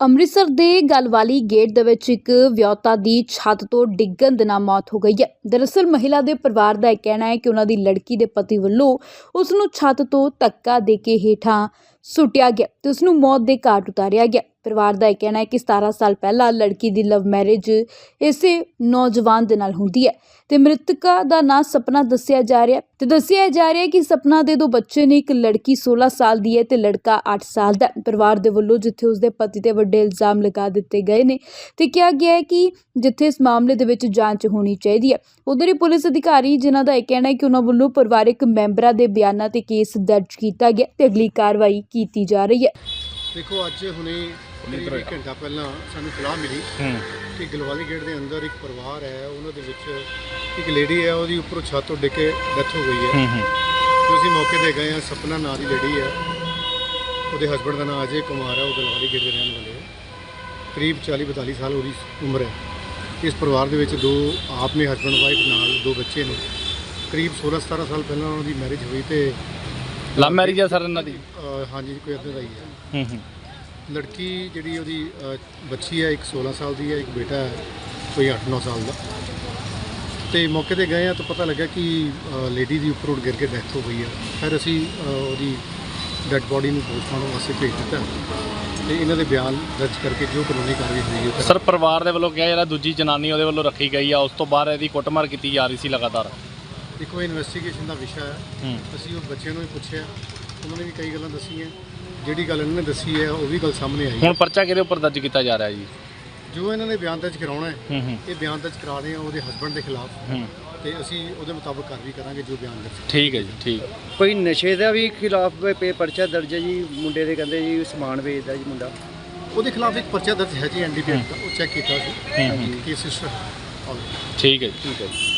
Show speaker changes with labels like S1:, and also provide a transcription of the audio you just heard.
S1: ਅੰਮ੍ਰਿਤਸਰ ਦੇ ਗਲਵਾਲੀ ਗੇਟ ਦੇ ਵਿੱਚ ਇੱਕ ਵਿਆਹੁਤਾ ਦੀ ਛੱਤ ਤੋਂ ਡਿੱਗਣ ਦੇ ਨਾਲ ਮੌਤ ਹੋ ਗਈ ਹੈ। ਦਰਅਸਲ ਮਹਿਲਾ ਦੇ ਪਰਿਵਾਰ ਦਾ ਇਹ ਕਹਿਣਾ ਹੈ ਕਿ ਉਹਨਾਂ ਦੀ ਲੜਕੀ ਦੇ ਪਤੀ ਵੱਲੋਂ ਉਸ ਨੂੰ ਛੱਤ ਤੋਂ ਧੱਕਾ ਦੇ ਕੇ ਹੇਠਾਂ ਸੁੱਟਿਆ ਗਿਆ ਤੇ ਉਸ ਨੂੰ ਮੌਤ ਦੇ ਘਾਟ ਉਤਾਰਿਆ ਗਿਆ। ਪਰਿਵਾਰ ਦਾ ਇਹ ਕਹਿਣਾ ਹੈ ਕਿ 17 ਸਾਲ ਪਹਿਲਾਂ ਲੜਕੀ ਦੀ ਲਵ ਮੈਰਿਜ ਇਸੇ ਨੌਜਵਾਨ ਦੇ ਨਾਲ ਹੁੰਦੀ ਹੈ ਤੇ ਮ੍ਰਿਤਕਾ ਦਾ ਨਾਂ ਸਪਨਾ ਦੱਸਿਆ ਜਾ ਰਿਹਾ ਹੈ ਕਿ ਸਪਨਾ ਦੇ 2 ਬੱਚੇ ਨੇ। ਇੱਕ ਲੜਕੀ 16 ਸਾਲ ਦੀ ਹੈ ਤੇ ਲੜਕਾ 8 ਸਾਲ ਦਾ। ਪਰਿਵਾਰ ਦੇ ਵੱਲੋਂ ਜਿੱਥੇ ਉਸਦੇ ਪਤੀ ਤੇ ਵੱਡੇ ਇਲਜ਼ਾਮ ਲਗਾ ਦਿੱਤੇ ਗਏ ਨੇ ਤੇ ਕਿਹਾ ਗਿਆ ਹੈ ਕਿ ਜਿੱਥੇ ਇਸ ਮਾਮਲੇ ਦੇ ਵਿੱਚ ਜਾਂਚ ਹੋਣੀ ਚਾਹੀਦੀ ਹੈ, ਉਧਰ ਹੀ ਪੁਲਿਸ ਅਧਿਕਾਰੀ ਜਿਨ੍ਹਾਂ ਦਾ ਇਹ ਕਹਿਣਾ ਹੈ ਕਿ ਉਹਨਾਂ ਵੱਲੋਂ ਪਰਿਵਾਰਕ ਮੈਂਬਰਾਂ ਦੇ ਬਿਆਨਾਂ ਤੇ ਕੇਸ ਦਰਜ ਕੀਤਾ ਗਿਆ ਤੇ ਅਗਲੀ ਕਾਰਵਾਈ ਕੀਤੀ ਜਾ ਰਹੀ ਹੈ।
S2: देखो अज हुणे एक घंटा पहला सानू सलाह मिली कि गलवाली गेट के अंदर एक परिवार है, उन्होंने एक लेडी है, वो उपरों छत तो डिग के डैथ हो गई है। तो असीं मौके पर गए हैं। सपना नाम की लेडी है, वो हसबैंड का नाम अजय कुमार है, वो गलवाली गेट के रहने वाले है। करीब 40-42 साल उसकी उम्र है। इस परिवार के 2 आप ने हसबैंड वाइफ नाल 2 बच्चे ने। करीब 16-17 साल पहला उन्होंने मैरिज हुई तो
S3: लव मैरिज है सर इन्हां दी?
S2: हाँ जी, कोई इदां दा ही है। लड़की जी वो बच्ची है, एक 16 साल की है, एक बेटा है कोई 8-9 साल का। तो मौके पर गए हैं तो पता लगा कि लेडी की उपरों गिर के डैथ हो गई है। फिर असी वो डैड बॉडी में पोस्टमार्टम वास्ते भेज दिता तो इन्हों के बयान दर्ज करके जो कानूनी कार्रवाई हुई है।
S3: सर परिवार के वालों कहा जिहड़ा दूजी जनानी उहदे वालों रखी गई है, उस तो बाद इहदी कुटमार की जा रही सी लगातार।
S2: देखो इन्वेस्टिगेशन का विषय है। असी उस बच्चे भी पूछे, उन्होंने भी कई गल्लां दसी हैं। जिहड़ी गल इन्होंने दसी है वो भी गल सामने आई।
S3: हुण पर्चा किहदे उपर दर्ज किया जा रहा है जी?
S2: जो इन्होंने बयान दर्ज कराउणा है, ये बयान दर्ज करा रहे हैं उसके हसबैंड के खिलाफ, तो असी उसके मुताबिक कार्रवाई करांगे जो बयान दर्ज।
S3: ठीक है जी, ठीक।
S4: कोई नशे का भी खिलाफ परचा दर्ज है जी? मुंडे दे कहंदे जी समान बेचदा जी मुंडा,
S2: उसके खिलाफ एक परचा दर्ज है जी NDPS का, वो चेक किया केस रजिस्टर।
S3: ठीक है जी।